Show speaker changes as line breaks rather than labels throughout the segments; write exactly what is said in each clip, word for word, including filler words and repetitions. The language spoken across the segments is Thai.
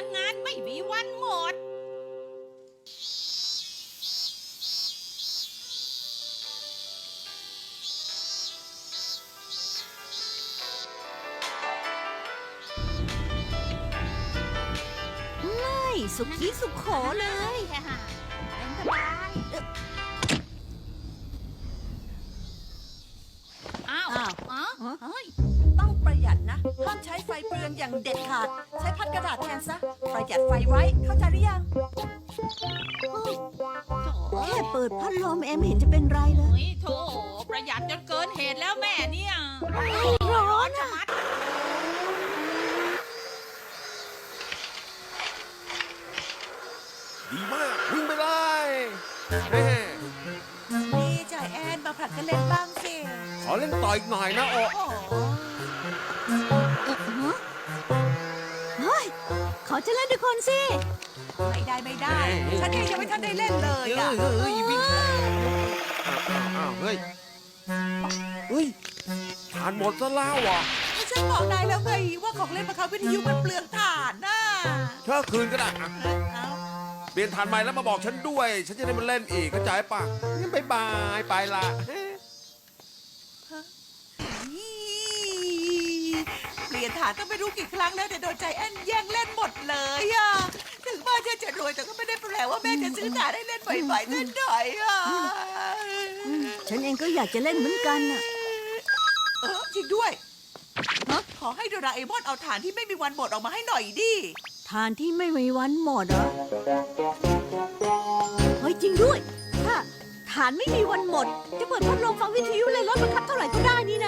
ลังงานไม่มีวันหมด
ไม่สุขีสุขโขเลย
เป็นสบายอ้าว
อ้าว
อ๋อ
ฮะ
เฮ้ย
ต้องประหยัดนะห้ามใช้ไฟเปลืองอย่างเด็ดขาด ใช้พัดกระดาษแทนซะ ประหยัดไฟไว้ เข้าใจหรือยัง
แค่เปิดพัดลมเอ็มเห็นจะเป็นไรเลย
เฮ้ยโถประหยัดจนเกินเหตุแล้วแม่เนี่ย
ร้อนอ่ะ
มัด
ดีมากวิ่งไปเลยแม่
นี่จ่ายแอนมาผลัดกันเล่นบ้างสิ
ขอเล่นต่ออีกหน่อยนะโอ
โอ้โห
เฮ้ย ขอจะเล่นด้วยคนสิ
ไม่ได้ไม่ได้ ฉันเองยังไม่ทันได้เล่นเลย
เฮ้
อ่ะ
ยเฮ้ยวิ่งอ้าวอ้าวเฮ้ยเฮ้ยทานหมดซะแล้วอ่ะ
ฉันบอกนายแล้วไงว่าของเล่นบังคับวิทยุมันเปลืองถ่านน่ะ
เช่าคืนก็ได้อ่ะ
เอ้า
เปลี่ยนทานใหม่แล้วมาบอกฉันด้วย ฉันจะได้มาเล่นอีกเข้าใจป่ะงั้นบายบายไปละ
เปลี่ยนฐานก็ไม่รู้กี่ครั้งแล้วแต่โดนใจแอนแย่งเล่นหมดเลยอ่ะ ถึงบ้านฉันจะรวยแต่ก็ไม่ได้แปลว่าแม่จะซื้อฐานให้เล่นบ่อยๆสักหน่อยอ่ะ
ฉันเองก็อยากจะเล่นเหมือนกันน่ะ
เออจริงด้วยฮะขอให้โดราเอมอนเอาฐานที่ไม่มีวันหมดออกมาให้หน่อยดิ
ทานที่ไม่มีวันหมดเหรอ เฮ้ยจริงด้วย ถ้าฐานไม่มีวันหมด จะเปิดพัดลมฟังวิทยุเลยลดบังคับเท่าไหร่ก็ได้นี่นะ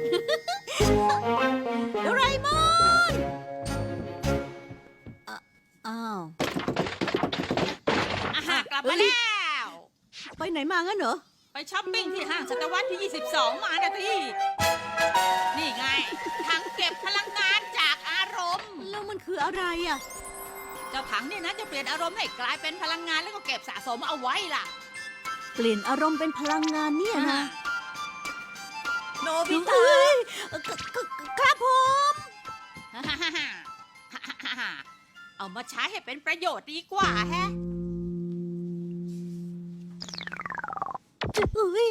โดราเอมอนอ่ะอ้าว
อาหารกลับมาแล้ว
ไปไหนมางั้นเหรอ
ไปช้อปปิ้งที่ห้างศตวรรษที่ ยี่สิบสอง มานะที่ นี่ไงถังเก็บพลังงานจากอารมณ์
แล้วมันคืออะไรอ่ะ
เจ้าถังเนี่ยนะจะเปลี่ยนอารมณ์ให้กลายเป็นพลังงานแล้วก็เก็บสะสมเอาไว้ล่ะ
เปลี่ยนอารมณ์เป็นพลังงานเนี่ยนะ
โนบิตะ
เฮ้ยกกกครับผม
ฮ่าฮ่าฮ่าฮ่าฮ่าฮ่าเอามาใช้ให้เป็นประโยชน์ดีกว่าแฮะ
เฮ้ย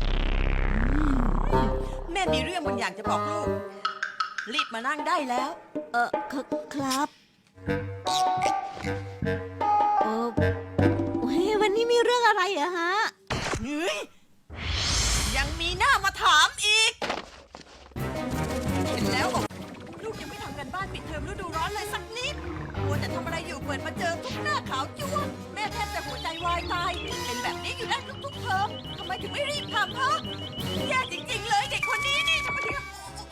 แม่มีเรื่องบางอย่างจะบอกลูก รีบมานั่งได้แล้ว
เออคครับเออเฮ้ยวันนี้มีเรื่องอะไรอะฮะ
เฮ้ยยังมีหน้ามาถามอีก เห็นแล้วบอกลูกยังไม่ทำกันบ้านปิดเทอมฤดูร้อนเลยสักนิดมัวแต่ทำอะไรอยู่เปิดมาเจอทุกหน้าขาวจ้วงแม่แทบจะหัวใจวายตาย เป็นแบบนี้อยู่แล้วทุกๆเทอมทำไมถึงไม่รีบทำฮะแย่จริงๆเลยเด็กคนนี้นี่ทำไมถึง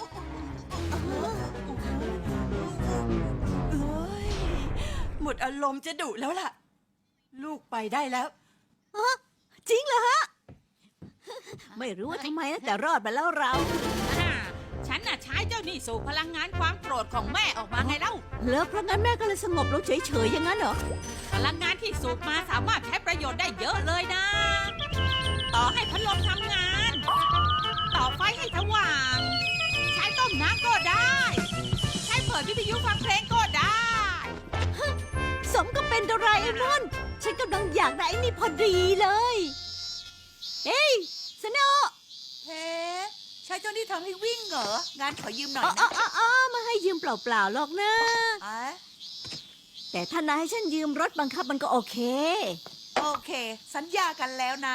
เอ้ยหมดอารมณ์จะดุแล้วล่ะ ลูกไปได้แล้ว
จริงเหรอฮะ ไม่รู้ว่าทำไมนะแต่รอดไปแล้วเรา
อ่าฉันน่ะใช้เจ้านี่สู่พลังงานความโกรธของแม่ออกมาไงเล่า
แล้วเพราะงั้นแม่ก็เลยสงบลงเฉยๆอย่างนั้นเหรอ
พลังงานที่สูบมาสามารถใช้ประโยชน์ได้เยอะเลยนะ ต่อให้พัดลมทำงาน ต่อไฟให้สว่าง ใช้ต้มน้ำก็ได้ ใช้เปิดวิทยุฟังเพลงก็ได้
สมกับเป็นโดราเอมอน ฉันกำลังอยากได้ไอ้นี่พอดีเลย เฮ้ยสโนว์
เฮ้ใช้เจ้านี่ทำให้วิ่งเหรอ งานขอยืมหน่อย
อ๋อ
นะ
อ๋ออ๋อมาให้ยืมเปล่าๆหรอกนะ
อ่ะ
แต่ถ้านายให้ฉันยืมรถบังคับมันก็โอเค
โอเค สัญญากันแล้วนะ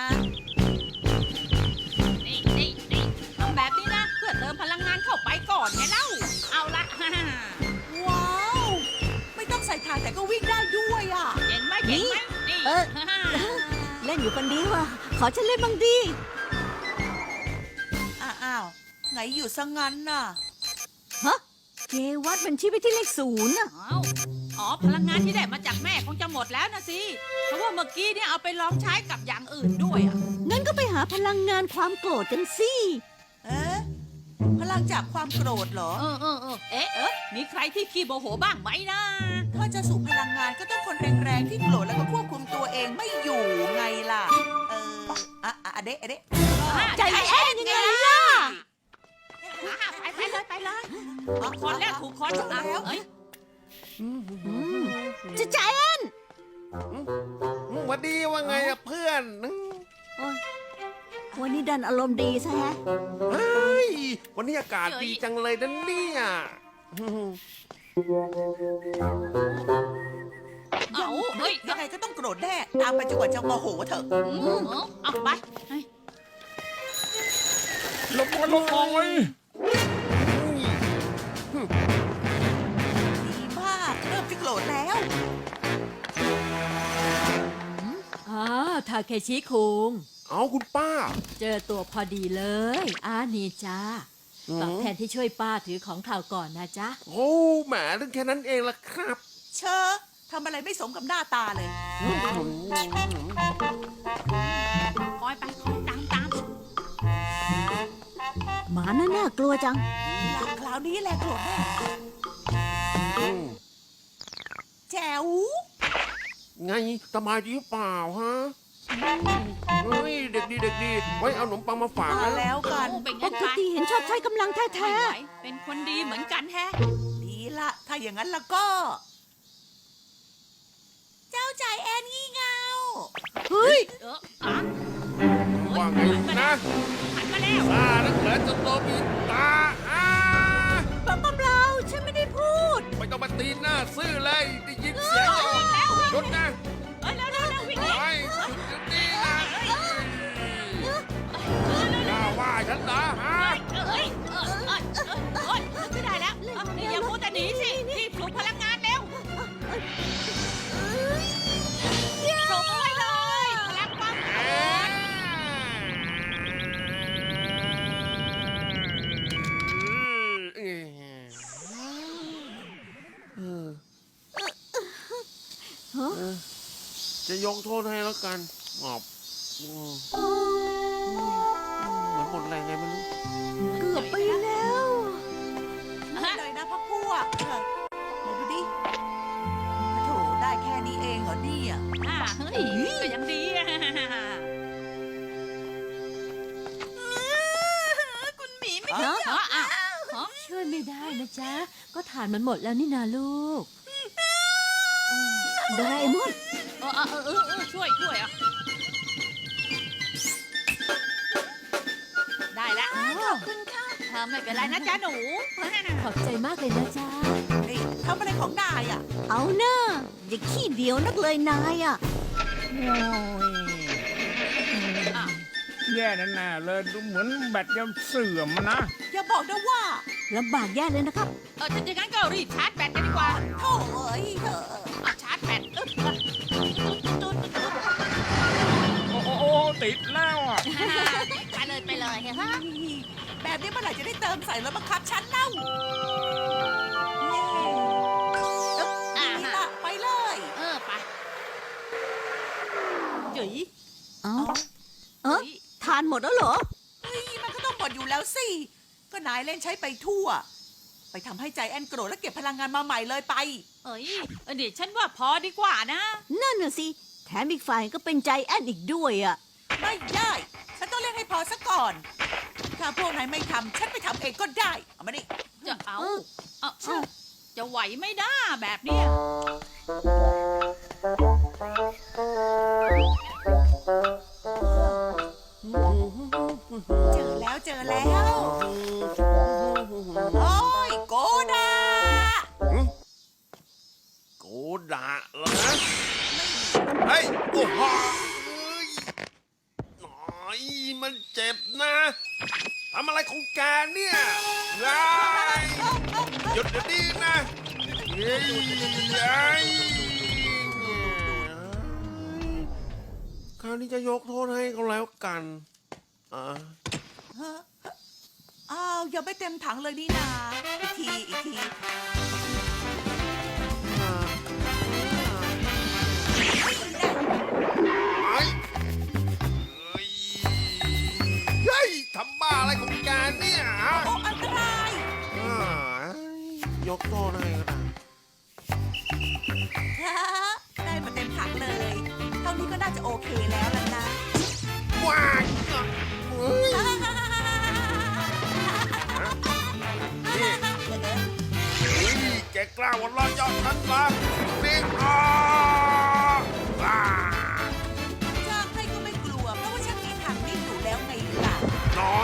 นี่นี่นี่ทำแบบนี้นะ เพื่อเติมพลังงานเข้าไปก่อนไงเล่า เอาละ
ว้าว ไม่ต้องใส่ถ่านแต่ก็วิ่งได้ด้วยอ่ะ
เห็นไหมเห็นไหมนี่
เออ เล่นอยู่คนเดียวอ่ะ ขอฉันเล่นบ้างดิ
อ้าว ไงอยู่ซะงั้นน่ะ
ฮะ เกวัดมันชี้ไปที่เลขศูนย์น่ะ
อ้าวอ๋อ พลังงานที่ได้มาจากแม่คงจะหมดแล้วนะสิ เพราะว่าเมื่อกี้เนี่ยเอาไปลองใช้กับอย่างอื่นด้วยอ่ะ
งั้นก็ไปหาพลังงานความโกรธกันสิ
เอ๊ะ พลังจากความโกรธเหรอ
เออเออเออเอ๊ะเอ๊ะมีใครที่ขี้โมโหบ้างไหมนะ
ถ้าจะสูบพลังงานก็ต้องคนแรงๆที่โกรธแล้วก็ควบคุมตัวเองไม่อยู่ไงล่ะ เออ อ่ะอ่ะอะเดะอะเดะ
ใจแอนยังไงล่ะ
อ่ะไปไปเลยไปเลยถูกคนแล้วถูกคนอ่ะเอ้ย
จะใจแอน
หวัดดีว่าไงอะเพื่อน
โอ๊ยวันนี้ดันอารมณ์ดีซะแฮะ
เฮ้ยวันนี้อากาศดีจังเลยนะเนี่ย
เอาเฮ้ย
ยังไงก็ต้องโกรธแน่ ตามไปจนกว่าจะโมโหเถอะ
อืมเอาไปเฮ้ย
ลบลบมองไว้
ดีมากเริ่มจะโกรธแล้ว
อ๋อทาเคชิคุง
เอาคุณป้า
เจอตัวพอดีเลยอานี่จ้า
อืม
ตอบแทนที่ช่วยป้าถือของข่าวก่อนนะจ๊ะ
โอ้แหมเรื่องแค่นั้นเองล่ะครับ
เชอะทำอะไรไม่สมกับหน้าตาเลย
คอยไปคอยตามตาม
หมาน่าน่ากลัวจัง
คราวนี้แหละโกรธแน่
อืม
แจ๋ว
ไงสบายดีหรือเปล่าฮะเฮ้ยเด็กดีเด็กดีไว้เอาขนมปังมาฝาก
มา
นะ
แล้วกัน
โอ้เป็นไง
ปก
คะ
ติเห็นชอบใช้กำลังแท้
ไม่ไหวเป็นคนดีเหมือนกันแฮะ
ดีละถ้าอย่างนั้นแล้วก็ เจ้าใจแอนงี่เงา
ๆ เฮ้ย
เอออ่ะ
ว่าไงนะ
หันมาแล้ว
ซานักเหลือจนโดนมีตาอ้า
ป้าป้าเปล่าฉันไม่ได้พูด
ไม่ต้องมาตีหน้าซื่อเลยได้ยินเสียงแล้วหยุดนะ
เอ้ยแล้วแล้วแล้ววิ่งหนี
ไอ้หยุดเดี๋ยวนี้นะกล้าว่าฉันเหรอฮะ
เอ้ยเออเออเออเอ้ยไม่ได้แล้วเอ้ยอย่าพูดแต่หนีสิรีบปลุกพลังงานเร็วส่งไปเลยพลังความ
เอ๊ะเอ๊ะเออ
ฮะ
เออจะยกโทษให้แล้วกันหอบอืมเหมือนหมดแรงไงไม่รู้
เกือบไปแล้ว
เลยนะพ่อพวกเออไหนดูดิโถได้แค่นี้เองเหรอเนี่ย
อ่าเฮ้ยก็ยังดีอะ
คุณหมีไม่
ฮะ
เอออ่ะฮะ
ช่วยไม่ได้นะจ๊ะ ก็ฐานมันหมดแล้วนี่นาลูกโดราเอมอน
เออเออเออเออเออช่วยช่วยอ่ะได้แล้ว
อ้าว
เธอไม่เป็นไรนะจ๊ะหนู
ขอบใจมากเลยนะจ๊ะ
นี่ทำอะไรของนายอ่ะ
เอาเนอะอย่าขี้เดียวนักเลยนายอ่ะ
โอ้ยแย่แน่ๆเลยดูเหมือนแบตจะเสื่อมนะ
อย่าบอกนะว่า
ลำบากแย่เลยนะครับ
เออถ้าอย่างนั้นก็รีบชาร์จแบตกันดีกว่า
โถ่เอ้ยเถอะ
เอาชาร์จแบตอึ๊บ
โอ้โอ้โอ้ติดแล้วอ่ะ
ไปเลยไปเลยฮะ
แบบนี้เมื่อไหร่จะได้เติมใส่รถบังคับฉันเล่าเย้อึ๊บ
อ่า
นี่
ฮะ
ละไปเลย
เออไปจุ๋ย
เอ้าเออทานหมดแล้วเหรอ
เฮ้ยมันก็ต้องหมดอยู่แล้วสิ ก็นายเล่นใช้ไปทั่ว ไปทำให้ใจแอนโกรธแล้วเก็บพลังงานมาใหม่เลยไป
เอ้ยเออเดี๋ยวฉันว่าพอดีกว่านะ
นั่นน่ะสิ แถมอีกฝ่ายก็เป็นใจแอนอีกด้วยอ่ะ
ไม่ได้ ฉันต้องเล่นให้พอซะก่อน ถ้าพวกนายไม่ทำฉันไปทำเองก็ได้ เอามาดิ
จะเอา
เออ
เอาเอาจะไหวไม่ได้แบบเนี้ย
เจอแล้วเจอแล้ว โอ้ยโกดา
โกดะเหรอเฮ้ยโอ้โหหน่อยมันเจ็บนะทำอะไรของแกเนี่ยไงหยุดเดี๋ยวนี้นะเฮ้ยไอ้คราวนี้จะยกโทษให้เขาแล้วกันอ่า
ฮะอ้าวยังไม่เต็มถังเลยนี่นา อีกที อีกที
ไอ้เฮ้ยเฮ้ยทำบ้าอะไรของแกเนี่ยฮะ
โอ้ อันตราย
อ่ายกโทษให้ก็ได้
ฮะได้มาเต็มถังเลย เท่านี้ก็น่าจะโอเคแล้วล่ะนะ
ว้ายเฮ้ยนี่นี่แกแกกล้าวันล้อเยาะฉันเหรอนี่อ๋อว้า
จ้างให้ก็ไม่กลัว เพราะว่าฉันมีทางนี้อยู่แล้วไงล่ะ
หน่อย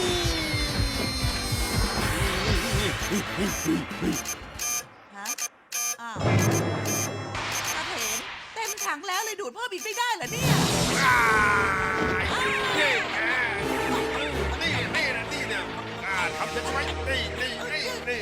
ฮะ อ้าวตาเถนเต็มถังแล้วเลยดูดเพิ่มอีกไม่ได้เหรอเนี่ย
ว้ายนี่แกนี่นี่นะนี่เนี่ยกล้าทำฉันไว้นี่นี่นี่นี่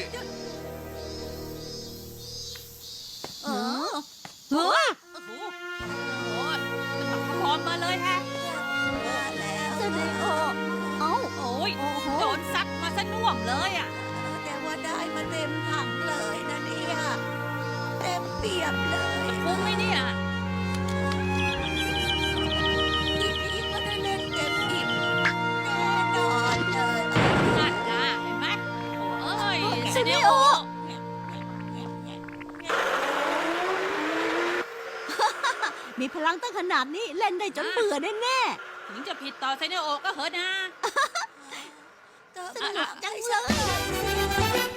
เออเฮ้ย
โอ้โหโอ้ยจะมาขโมยมาเลยฮะ
ว่าแล้ว
เสนอเอ้า
โอ้ย
โอ้โห
โดนซัดมาซะน่วมเลยอ่ะ
แต่ว่าได้มาเต็มถังเลยนะเนี่ยเต็มเปี่ยมเลย
คุ้มไหมเนี่ย
ทีนี้ก็ได้เล่นเต็มอิ่มแน่นอนเลย
นั่นนะเห็นไหมโอ้ย
เสนอมีพลังตั้งขนาดนี้เล่นได้จนเบื่อแน่
ถึงจะผิดต่อเซเนโอก็เหอะนะ
ก็
ๆสนุกจังเลย